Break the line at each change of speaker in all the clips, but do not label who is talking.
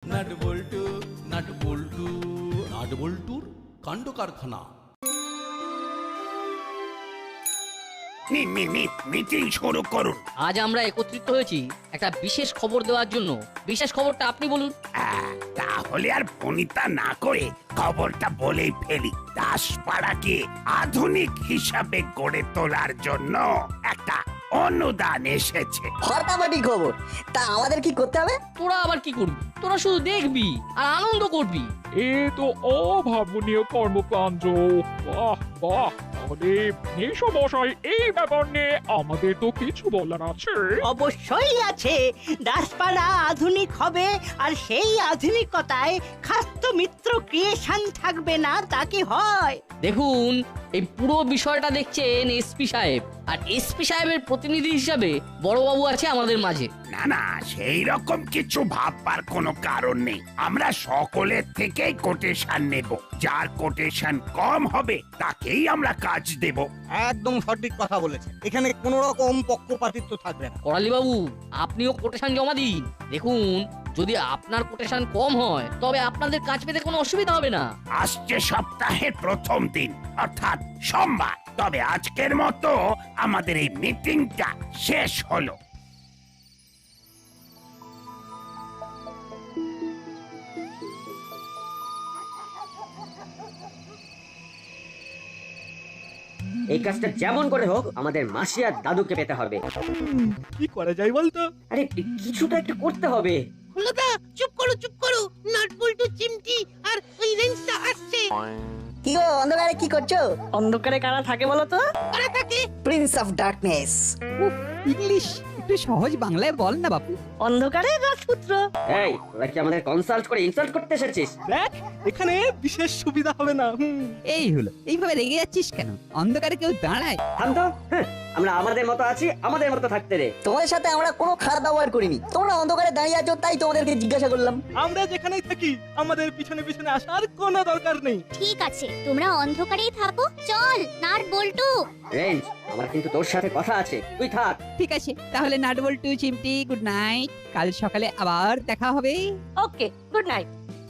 Nut বল্টু nut বল্টু nut বল্টুর কাণ্ড কারখানা।
মিটিং শুরু করুন।
আজ আমরা একত্রিত হয়েছি একটা বিশেষ খবর দেওয়ার জন্য। বিশেষ খবরটা আপনি বলুন।
তাহলে আর ফোনিতা না করে খবরটা বলেই ফেলি। দাসপাড়াকে আধুনিক হিসাবে গড়ে তোলার জন্য একটা অনুদান এসেছে।
ফাটাফাটি খবর। তা আমাদের কি করতে হবে?
তোরা আবার কি করবি? তোরা শুধু দেখবি আর আনন্দ করবি।
এ তো অভাবনীয় কর্মকাণ্ড। বাহ বাহ, তাহলে মশাই এই ব্যাপার নিয়ে আমাদের তো কিছু বলার আছে।
অবশ্যই আছে। দাসপাড়া আধুনিক হবে, আর সেই আধুনিকতায় খাস্ত মিত্র ক্রিয়েশন থাকবে না, তা কি হয়?
দেখুন, এই পুরো বিষয়টা দেখছেন এসপি সাহেব, আর এসপি সাহেবের প্রতিনিধি হিসাবে বড়বাবু আছে আমাদের মাঝে।
না না, সেই রকম কিছু ভাববার কোনো কারণ নেই। আমরা সকলের থেকেই কোটেশন নেব। যার কোটেশন কম হবে তাকেই আমরা কাজ দেব।
একদম সঠিক কথা বলেছেন। এখানে কোন রকম পক্ষপাতিত্ব থাকবে না।
করালি বাবু, আপনিও কোটেশন জমা দিন। দেখুন, যদি আপনার কোটেশন কম হয় তবে আপনাদের কাজ পেতে কোনো অসুবিধা হবে না।
আসছে সপ্তাহের প্রথম দিন অর্থাৎ সোমবার। তবে আজকের মতো আমাদের এই মিটিংটা শেষ হলো।
এই কাজটা যেমন করে হোক আমাদের মাসি আর দাদুকে পেতে হবে।
কি করা যায় বলতো?
আরে কিছু তো একটা করতে হবে।
হলোদা, চুপ করো। নাট বল্টু, চিমটি আর ওই রেঞ্জটা আসছে।
কি গো, অন্ধকারে কি করছো?
অন্ধকারে কারা থাকে বলো তো?
কারা থাকে? Prince of darkness.
ইংলিশ একটু সহজ বাংলায় বল না বাপু।
অন্ধকারে রাজপুত্র।
এই, তোরা কি আমাদের কনসাল্ট করে ইনসাল্ট করতে এসেছিস?
দেখ, এখানে বিশেষ সুবিধা হবে না।
এই হলো, এইভাবে রেগে যাচ্ছিস কেন? অন্ধকারে কেউ দাঁড়ায়?
থাম তো। আমরা আমাদের মতো আছি, আমাদের মতো থাকতে দে।
তোমাদের সাথে আমরা কোনো খারাপ ব্যবহার করিনি। তোমরা অন্ধকারে দাঁড়িয়ে আছো তাই তোমাদেরকে জিজ্ঞাসা করলাম।
আমরা যেখানেই থাকি আমাদের পিছনে পিছনে আসার কোনো দরকার নেই।
ঠিক আছে, তোমরা অন্ধকারেই থাকো। চল নাট বল্টু।
রেঞ্জ, আমার কিন্তু তোর সাথে কথা আছে, তুই থাক।
ঠিক আছে, তাহলে নাটবল্টু চিমটি গুড নাইট। কাল সকালে আবার দেখা হবে।
Okay, good night.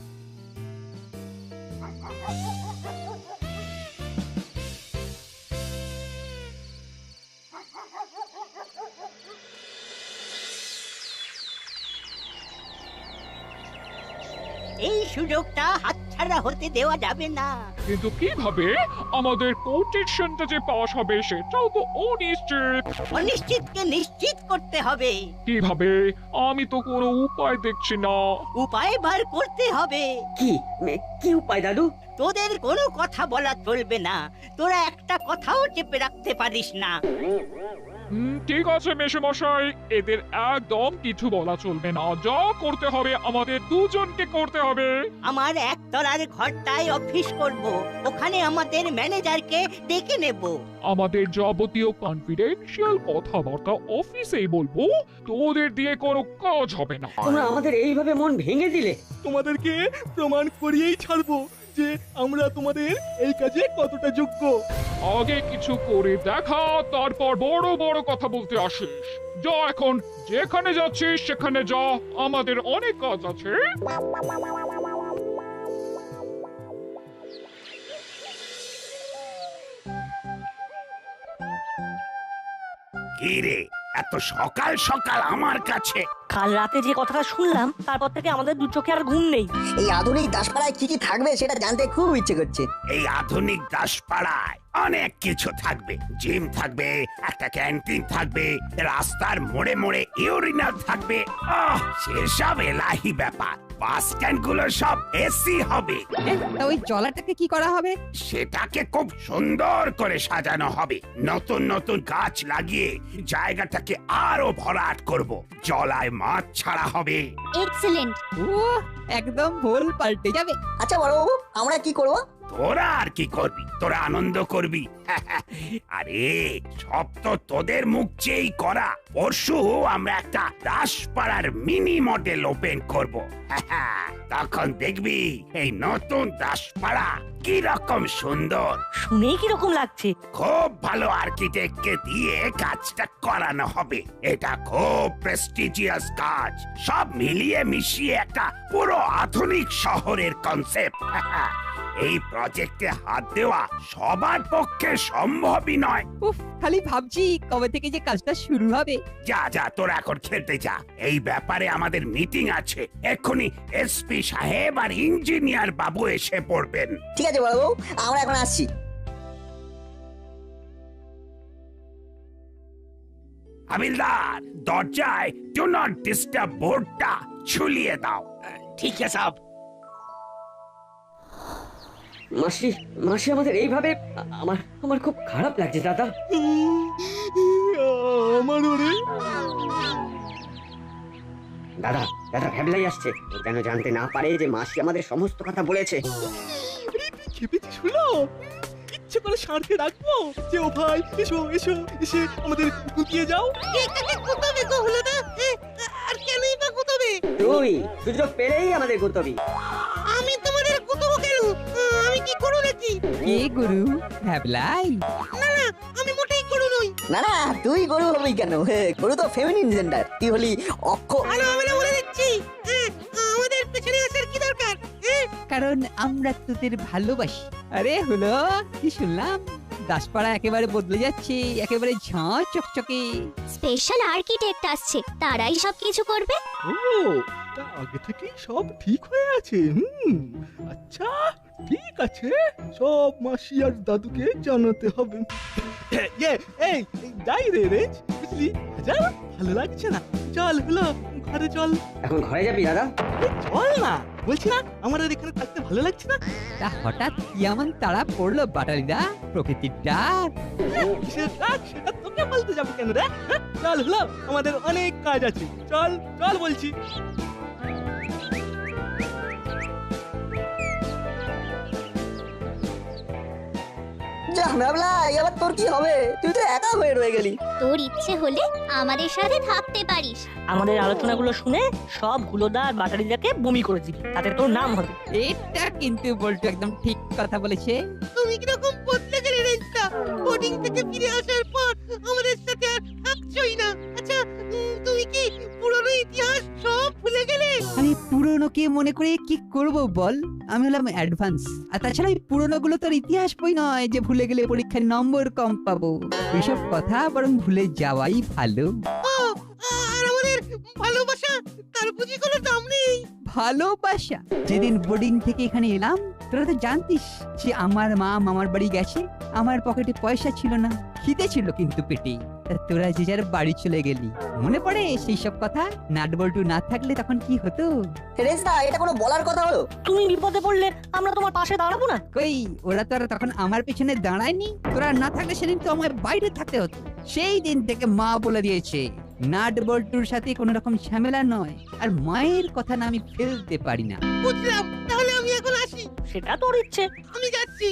এই সুযোগটা হাতছাড়া হতে দেওয়া যাবে না।
কিন্তু কিভাবে আমাদের কোটেশনটা যে পাস হবে সেটাও তো অনিশ্চিত।
অনিশ্চিতকে নিশ্চিত করতে হবে।
কিভাবে? আমি তো কোনো উপায় দেখছি না।
উপায় বার করতে হবে।
কি উপায় দাদু?
তোদের কোনো কথা বলা চলবে না। তোরা একটা কথাও চেপে রাখতে পারিস না।
ঠিক আছে মেশামশাই, এদের একদম কিছু বলা চলবে না। যা করতে হবে আমাদের দুজনকে করতে হবে।
আমার একতলার ঘরটায় অফিস করব। ওখানে আমাদের ম্যানেজারকে ডেকে নেব।
আমাদের যাবতীয় কনফিডেন্সিয়াল কথাবার্তা অফিসেই বলবো। তোদের দিয়ে কোনো কাজ হবে না।
তোমরা আমাদের এইভাবে মন ভেঙে দিলে।
তোমাদেরকে প্রমাণ করিয়েই ছাড়বো যে আমরা তোমাদের এই কাজে কতটা যোগ্য।
আগে কিছু করে দেখা, তারপর বড় বড় কথা বলতে আসিস। যা, এখন যেখানে যাচ্ছিস সেখানে যা, আমাদের অনেক কাজ আছে।
কি রে, এত সকাল সকাল আমার কাছে?
কাল রাতে যে কথাটা শুনলাম তারপর থেকে আমাদের দু চোখে আর ঘুম নেই।
এই আধুনিক দাসপাড়ায় কি কি থাকবে সেটা জানতে খুব ইচ্ছে করছে।
এই আধুনিক দাসপাড়ায় অনেক কিছু থাকবে। জিম থাকবে, একটা ক্যান্টিন থাকবে, রাস্তার মোড়ে মোড়ে ইউরিনাল থাকবে। সেসব এলাহি ব্যাপার। বাস স্ট্যান্ড গুলো সব এসি হবে।
তা ওই জলাটাকে কি করা হবে?
সেটাকে খুব সুন্দর করে সাজানো হবে। নতুন নতুন গাছ লাগিয়ে জায়গাটাকে আরো ভরাট করব। জলায় মাছ ছাড়া হবে।
এক্সেলেন্ট।
ও, একদম ভুল পাল্টে যাবে।
আচ্ছা বড়বাবু, আমরা কি করব?
তোরা আর কি করবি? তোরা আনন্দ করবি। আরে সব তো তোদের মুখ চেয়েই করা। পরশু আমরা একটা দাসপাড়ার মিনি মডেল ওপেন করব। তখন দেখবি এই নতুন দাসপাড়া কি রকম সুন্দর।
শুনেই কি রকম লাগছে?
খুব ভালো আর্কিটেক্টকে দিয়ে কাজটা করানো হবে। এটা খুব প্রেস্টিজিয়াস কাজ। সব মিলিয়ে মিশিয়ে একটা পুরো আধুনিক শহরের কনসেপ্ট। এই প্রজেক্টে হাত দেওয়া সবার পক্ষে সম্ভবই নয়।
উফ, খালি ভাবছি কবে থেকে যে কাজটা শুরু হবে।
যা যা তোরা এখন খেলতে যা। এই ব্যাপারে আমাদের মিটিং আছে। এক্ষুনি এসপি সাহেব আর ইঞ্জিনিয়ার বাবু এসে পড়বেন।
ঠিক আছে বাবু, আমরা এখন আসছি।
হাবিলদার, দরজায় ডু নট ডিস্টার্ব বোর্ডটা ঝুলিয়ে দাও।
ঠিক আছে সাহেব।
মাসি মাসি আমাদের এইভাবে আমার আমার খুব খারাপ লাগছে দাদা।
আমার ওরে
দাদা দাদা ভ্যাবলাই আসছে। ও যেন জানতে না পারে যে মাসি আমাদের সমস্ত কথা বলেছে।
খেপেছিস হলো? ইচ্ছে করে সারকে রাখবো যে ও ভাই এসো এসো, এসে আমাদের গুটিয়ে যাও।
আর কেনই বা গুতবে?
তুই সুযোগ পেলেই আমাদের গুতবি।
আমি তোমাদের গুতবো কেন? আমি কি করু নাকি?
কে গুরু? ভ্যাবলাই?
আমি মোটেই করু নই।
না না, তুই গরু হবি কেন? গরু তো ফেমিনিন জেন্ডার। তুই হলি অক্ষ।
ভালো হবে না বলে দিচ্ছি। আমাদের পেছনে আসার কি দরকার?
কারণ আমরা তোদের ভালোবাসি। আরে হলো কি শুনলাম, দাসপাড়া একেবারে বদলে যাচ্ছে, একেবারে ঝাঁ চকচকে।
স্পেশাল আর্কিটেক্ট আসছে, তারাই সবকিছু করবে।
ও, তা আগে থেকেই সব ঠিক হয়ে আছে। আচ্ছা ঠিক আছে, সব মাসি আর দাদুকে জানাতে হবে। এই যাই রে রেঞ্জ, বুঝলি? যা, ভালো লাগছে না। চল হলো ঘরে চল।
এখন ঘরে যাবি দাদা?
চল না, বলছি না আমার আর এখানে থাকতে ভালো লাগছে না।
তা হঠাৎ কি এমন তাড়া পড়লো বাটালিদা? প্রকৃতির ডাক?
কিসের ডাক সেটা তোকে বলতে যাবো কেন রে? চল হলো, আমাদের অনেক কাজ আছে। চল চল বলছি।
যা ভাবলা, এবার তোর কি হবে? তুই তো একা হয়ে রয়ে গেলি।
তোর ইচ্ছে হলে আমাদের সাথে থাকতে পারিস।
আমাদের আলোচনাগুলো শুনে সব হুলোদা আর বাটারিদাকে বমি করে দিবি, তাতে তোর নাম হবে।
এটা কিন্তু বলতো একদম ঠিক কথা বলেছে।
তুমি কিরকম বদলে গেলে রেঞ্জটা? বোর্ডিং থেকে ফিরে আসার পর আমাদের সাথে আর থাকছই না। আচ্ছা তুমি কি পুরনো ইতিহাস সব ভুলে গেলে?
আমি পুরনোকে মনে করে কি করব বল? আমি হলাম অ্যাডভান্স। আর তাছাড়া এই পুরনো গুলো তোর ইতিহাস বই নয় যে ভুলে গেলে পরীক্ষায় নম্বর কম পাবো। এইসব কথা বরং ভুলে যাওয়াই ভালো।
আর আমাদের ভালোবাসা, তার বুঝি কোনো দাম নেই?
ভালোবাসা? যেদিন বোর্ডিং থেকে এখানে এলাম তোরা তো জানতিস যে আমার মা মামার বাড়ি গেছে, আমার পকেটে পয়সা ছিল না, খিদে ছিল কিন্তু পেটে। তা তোরা যে যার বাড়ি চলে গেলি, মনে পড়ে সেই সব কথা? নাট বল্টু না থাকলে তখন কি হতো?
রেজদা, এটা কোনো বলার কথা হলো?
তুমি বিপদে পড়লে আমরা তোমার পাশে দাঁড়াবো না?
কই, ওরা তো আর তখন আমার পেছনে দাঁড়ায়নি। তোরা না থাকলে সেদিন তো আমার বাইরে থাকতে হতো। সেই দিন থেকে মা বলে দিয়েছে নাট বল্টুর সাথে কোনো রকম ঝামেলা নয়, আর মায়ের কথা না আমি ফেলতে পারি না।
বুঝলাম, তাহলে আমি এখন আসি। সেটা তোর ইচ্ছে, আমি যাচ্ছি।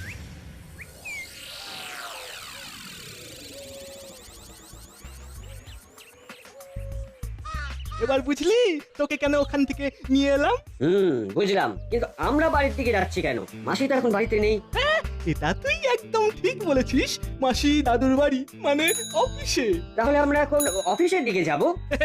এবার বুঝলি তোকে কেন ওখান থেকে নিয়ে এলাম?
বুঝলাম, কিন্তু আমরা বাড়ির দিকে যাচ্ছি কেন? মাসি তো এখন বাড়িতে নেই।
এটা তুই একদম ঠিক বলেছিস। মাসি দাদুর বাড়ি মানে অফিসে।
তাহলে আমরা এখন অফিসের দিকে যাব।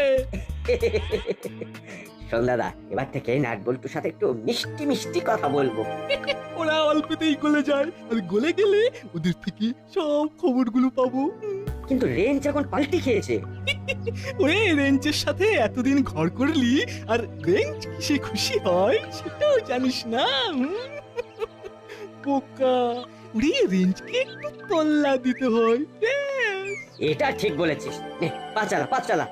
শোন দাদা, এবার থেকে নাট বল্টুর সাথে একটু মিষ্টি মিষ্টি কথা বলবো।
ওরা অল্পতেই গলে যায়, আর গলে গেলে ওদের থেকে সব খবরগুলো পাবো।
কিন্তু রেঞ্জ এখন পাল্টি খেয়েছে।
ওরে, রেঞ্জের সাথে এতদিন ঘর করলি, আর রেঞ্জ কিসে খুশি হয় সেটাও জানিস না। বোকা, ওরে রেঞ্জকে একটু তল্লা দিতে হয়।
এটা ঠিক বলেছিস। নে, পা চালা পা চালা।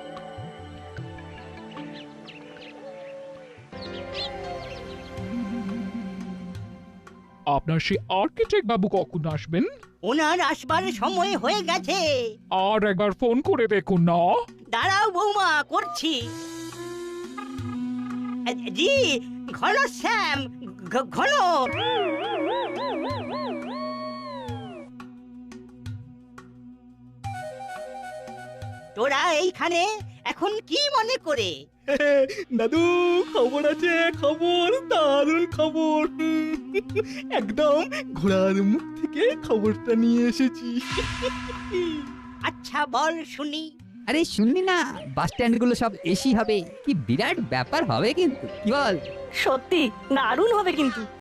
আপনার সেই আর্কিটেক্ট বাবু কখন আসবেন?
ওনার আসবার সময় হয়ে গেছে।
আর একবার ফোন করে দেখুন না।
দাঁড়াও বৌমা, করছি। জি, ঘন শ্যাম, ঘন। তোরা এইখানে এখন কি মনে করে?
দাদু খবর আছে, খবর, দারুণ খবর। একদম ঘোড়ার মুখ থেকে খবরটা নিয়ে এসেছি।
আচ্ছা বল শুনি।
আরে শুনলি না, বাস স্ট্যান্ড গুলো সব এসি হবে, কি বিরাট ব্যাপার হবে কিন্তু, কি বল?
সত্যি দারুণ হবে কিন্তু।